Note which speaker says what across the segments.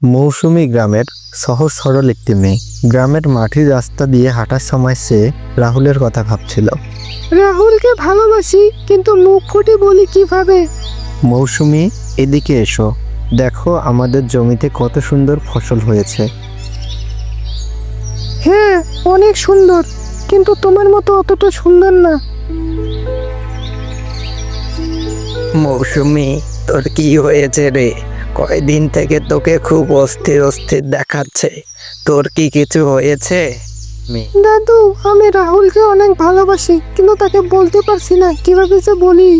Speaker 1: মৌসুমী গ্রামের সহজ সরল একটি মেয়ে। গ্রামের মাটির রাস্তা দিয়ে হাঁটার সময় সে রাহুলের কথা ভাবছিল।
Speaker 2: রাহুলকে ভালোবাসি, কিন্তু মুখ ফুটে বলি কিভাবে?
Speaker 1: মৌসুমী, এদিকে এসো, দেখো আমাদের জমিতে কত সুন্দর ফসল হয়েছে।
Speaker 2: হ্যাঁ, অনেক সুন্দর, কিন্তু তোমার মতো অতটা সুন্দর না।
Speaker 3: মৌসুমী, তোর কি হয়েছে রে? কয়দিন থেকে তোকে খুব অস্থির অস্থির দেখাচ্ছে। তোর কি কিছু হয়েছে?
Speaker 2: দাদু, আমি রাহুলকে অনেক ভালোবাসি, কিন্তু তাকে বলতে পারছি না, কিভাবে যে বলি।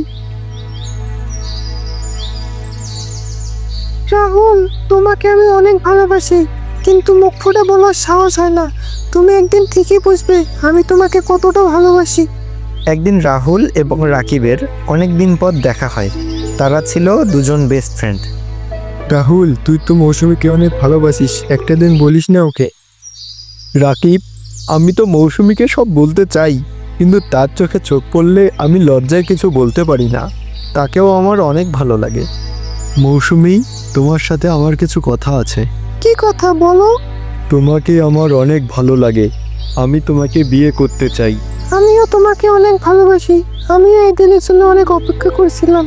Speaker 2: রাহুল, তোমাকে আমি অনেক ভালোবাসি, কিন্তু মুখ ফুটে বলার সাহস হয় না। তুমি একদিন ঠিকই বুঝবে আমি তোমাকে কতটা ভালোবাসি।
Speaker 1: একদিন রাহুল এবং রাকিবের অনেক দিন পর দেখা হয়। তারা ছিল দুজন বেস্ট ফ্রেন্ড।
Speaker 4: রাহুল, তুই তো মৌসুমীকে অনেক ভালোবাসিস, একটা দিন বলিস না ওকে? রাকিব, আমি তো মৌসুমীকে সব বলতে চাই, কিন্তু তার চোখে চোখ পড়লে আমি লজ্জায় কিছু বলতে পারি না। তাকেও আমার অনেক ভালো লাগে। মৌসুমী, তোমার সাথে আমার কিছু কথা আছে।
Speaker 2: কি কথা বলো?
Speaker 4: তোমাকে আমার অনেক ভালো লাগে, আমি তোমাকে বিয়ে করতে চাই।
Speaker 2: আমিও তোমাকে অনেক ভালোবাসি, আমিও এই দিনের জন্য অনেক অপেক্ষা করছিলাম।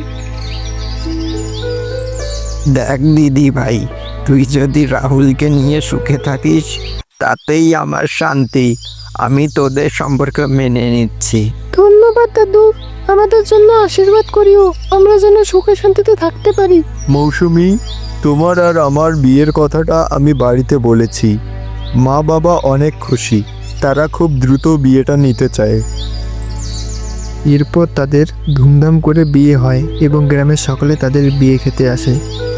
Speaker 3: দেখ দিদি ভাই, তুই যদি রাহুলকে নিয়ে সুখে থাকিস তাতেই আমার শান্তি। আমি তোদের সম্পর্ক মেনে নিচ্ছি।
Speaker 2: ধন্যবাদ দাদু, আমাদের জন্য আশীর্বাদ করিও, আমরা যেন সুখে শান্তিতে থাকতে পারি।
Speaker 4: মৌসুমী, তোমার আর আমার বিয়ের কথাটা আমি বাড়িতে বলেছি। মা বাবা অনেক খুশি, তারা খুব দ্রুত বিয়েটা নিতে চায়। এরপর তাদের ধুমধাম করে বিয়ে হয় এবং গ্রামের সকলে তাদের বিয়ে খেতে আসে।